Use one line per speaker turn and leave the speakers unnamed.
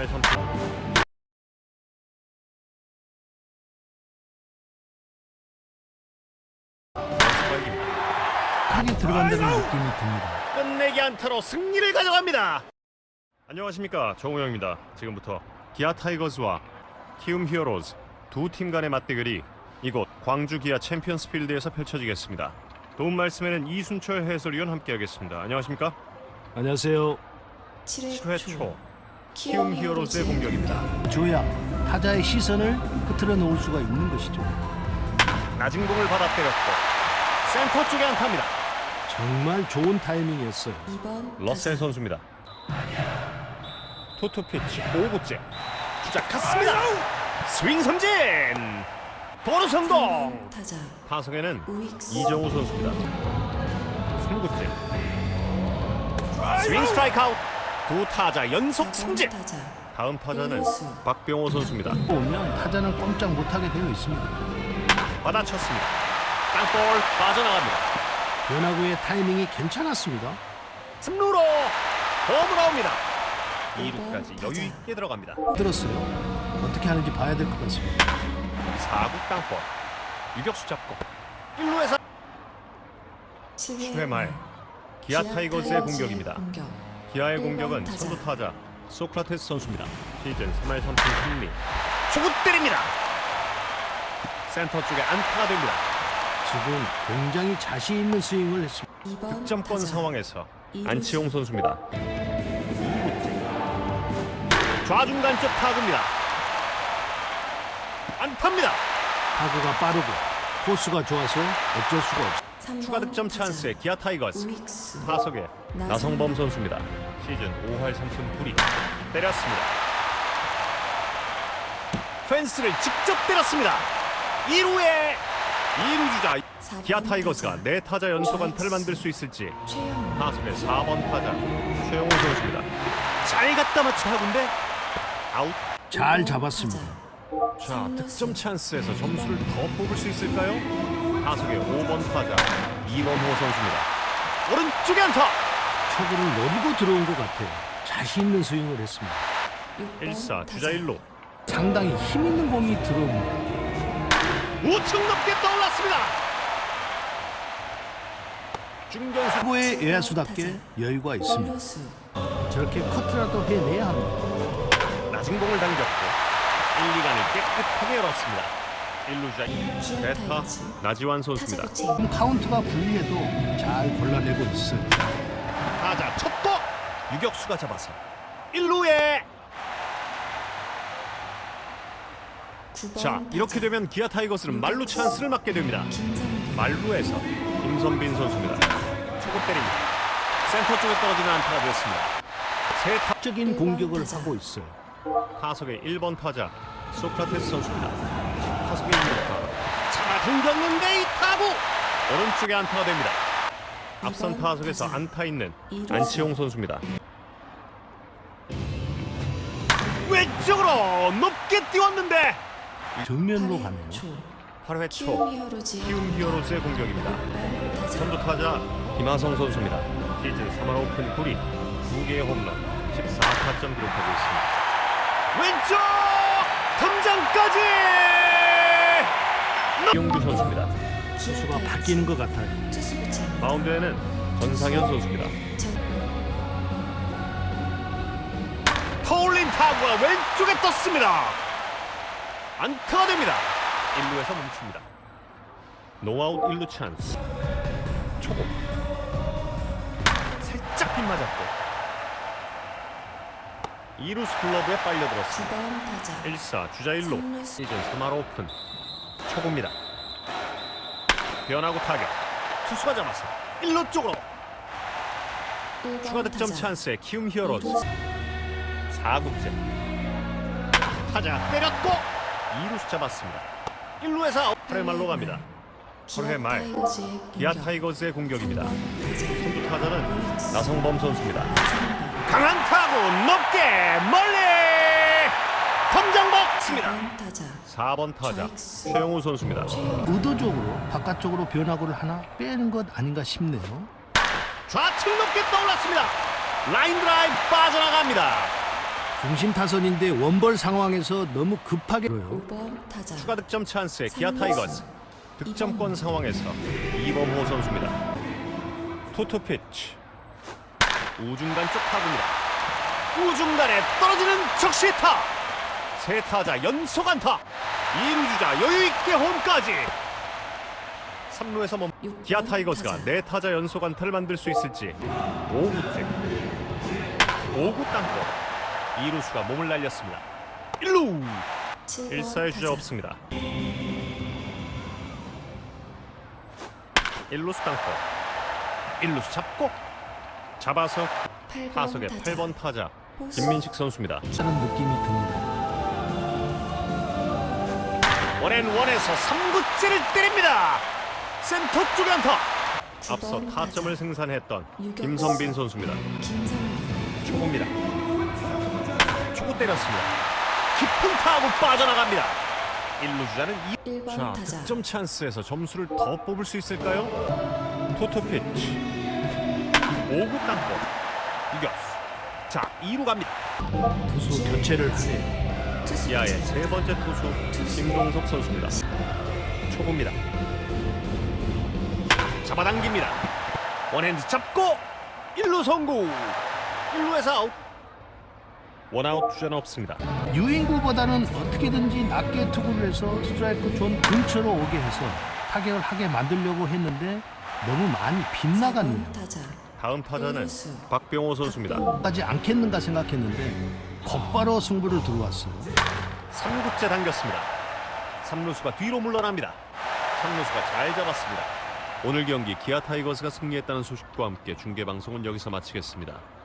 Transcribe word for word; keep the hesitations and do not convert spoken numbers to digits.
삼 할 삼 푼.
타게 들어간다는 느낌이 듭니다.
끝내기 안타로 승리를 가져갑니다. 안녕하십니까, 정우영입니다. 지금부터 기아 타이거즈와 키움 히어로즈 두 팀 간의 맞대결이 이곳 광주 기아 챔피언스 필드에서 펼쳐지겠습니다. 도움 말씀에는 이순철 해설위원 함께하겠습니다. 안녕하십니까?
안녕하세요.
칠 회 초 키움 히어로즈의 공격입니다.
줘야 타자의 시선을 흐트러 놓을 수가 있는 것이죠.
낮은 공을 받아 때렸고 센터 쪽에 안타입니다.
정말 좋은 타이밍이었어요.
러셀 선수입니다. 투투 피치 오 구째 주자 갔습니다. 스윙 삼진 도루 성공. 타석에는 이정우 선수입니다. 삼 구째 스윙 스트라이크 아웃. 두 타자 연속 삼진. 다음 타자는 박병호 선수입니다.
보면 타자는 꼼짝 못하게 되어 있습니다.
받아쳤습니다. 땅볼 빠져나갑니다.
변화구의 타이밍이 괜찮았습니다.
삼루로 홈으로 나옵니다. 이 루까지 여유 있게 들어갑니다.
들었어요. 어떻게 하는지 봐야 될 것 같습니다.
사 구 땅볼 유격수 잡고 일 루에서 칠 회 말 기아 타이거즈의 공격입니다. 기아의 공격은 선두 타자 소크라테스 선수입니다. 시즌 삼 할 삼 푼 삼 리 초구 때립니다. 센터 쪽에 안타가 됩니다.
지금 굉장히 자신 있는 스윙을 했습니다.
득점권 상황에서 안치홍 선수입니다. 이 구째 좌중간 쪽 타구입니다. 안타입니다.
타구가 빠르고 코스가 좋아서 어쩔 수가 없습니다.
추가 득점 찬스의 기아 타이거즈. 타석에 나성범 선수입니다. 시즌 오 할 삼 푼 구 리 때렸습니다. 펜스를 직접 때렸습니다. 이 루에 이 루 주자 기아 타이거즈가 네 타자 연속 안타를 만들 수 있을지. 타석의 사 번 타자 최영호 선수입니다. 잘 갖다 맞춘 타구인데 아웃.
잘 잡았습니다.
자, 득점 찬스에서 점수를 더 뽑을 수 있을까요? 타석의 오 번 타자 이원호 선수입니다. 오른쪽에 안타.
초구를 노리고 들어온 것 같아요. 자신 있는 스윙을 했습니다.
일 사 주자 일 루.
상당히 힘 있는 공이 들어옵니다.
우측 높게 떠올랐습니다. 중견수
타구의 외야수답게 여유가 있습니다. 저렇게 커트라도 해내야 합니다.
낮은 공을 당겼고 일, 이 간을 깨끗하게 열었습니다. 일 루 주자 베타 나지완 선수입니다.
지금 카운트가 불리해도 잘 골라내고 있어요.
타자 첫도 유격수가 잡아서 일 루에. 자, 이렇게 되면 기아 타이거스는 말루 찬스를 맞게 됩니다. 말루에서 임선빈 선수입니다. 초구 때립니다. 센터 쪽에 떨어지는 안타가 되었습니다. 세 타...
적인 공격을 하고 있어요.
타석의 일 번 타자 소크라테스 선수입니다. 타석의 일 루 타자 차가 당겼는데 이 타구 오른쪽에 안타가 됩니다. 앞선 타석에서 안타 있는 안치홍 선수입니다. 왼쪽으로 높게 띄웠는데
정면으로 가네요.
팔 회 초 키움 히어로즈의 공격입니다. 선두 타자 김하성 선수입니다. 시즌 삼 할 오 푼 구 리 두 개의 홈런 십사 타점 기록하고 있습니다. 왼쪽 덤장까지 이용규 선수입니다.
투수가 바뀌는 것 같아요.
마운드에는 전상현 선수입니다. 터올린 타구가 왼쪽에 떴습니다. 안타가 됩니다. 일 루에서 멈춥니다. 노아웃 일 루 찬스. 초구 살짝 빗맞았고 이 루 스클러브에 빨려들었습니다. 일 사 주자 일 루 시즌 삼 할 오 푼 초구입니다. 변화구 타격 투수가 잡아서 일 루 쪽으로 추가 득점 찬스의 키움 히어로즈. 사 구째 타자 때렸고 이 루수 잡았습니다. 일 루에서 팔 회 말로 갑니다. 팔 회 말 기아 타이거즈의 공격입니다. 선두 타자는 나성범 선수입니다. 강한 타구 높게 멀리 덤장 먹습니다. 사 번 타자 최영우 선수입니다.
의도적으로 바깥쪽으로 변화구를 하나 빼는 것 아닌가 싶네요.
좌측 높게 떠올랐습니다. 라인 드라이브 빠져나갑니다.
중심 타선인데 원벌 상황에서 너무 급하게
오 번 타자
추가 득점 찬스의 기아 타이거즈. 득점권 상황에서 이범호 선수입니다. 투투 피치. 우중간 쪽 타구입니다. 우중간에 떨어지는 적시타. 세 타자 연속 안타. 이루 주자 여유 있게 홈까지. 삼 루에서 멈. 기아 타이거즈가 네 타자 연속 안타를 만들 수 있을지. 오 구째. 오 구 땅볼. 이루수가 몸을 날렸습니다. 일 루. 일 사의 주자 없습니다. 일 루수 땅볼. 일 루수 잡고 잡아서 타석의 팔 번 타자 김민식 선수입니다.
하는 느낌이 듭니다.
원앤원에서 삼 구째를 때립니다. 센터 쪽에 안타. 앞서 타점을 생산했던 김선빈 선수입니다.
김선빈
초구입니다. 초구 때렸습니다. 깊은 타구 빠져나갑니다. 일 루 주자는 이.
일 번
자,
타자
득점 찬스에서 점수를 더 뽑을 수 있을까요? 투투 피치. 오 구 땅볼. 이겼어. 자, 이 루 갑니다.
투수 교체를 하네요.
투수
기아의 세 번째 투수 김동석 선수입니다. 초구입니다. 잡아당깁니다. 원핸드 잡고 일 루 성공. 일 루에서 아웃. 원아웃 주자는 없습니다.
유인구보다는 어떻게든지 낮게 투구를 해서 스트라이크 존 근처로 오게 해서 타격을 하게 만들려고 했는데 너무 많이 빗나갔네요.
사 번 타자
다음 타자는 박병호 선수입니다.
하지 않겠는가 생각했는데 곧바로 승부를 들어왔어요.
삼 구째 당겼습니다. 삼 루수가 뒤로 물러납니다. 삼 루수가 잘 잡았습니다. 오늘 경기 기아 타이거즈가 승리했다는 소식과 함께 중계방송은 여기서 마치겠습니다.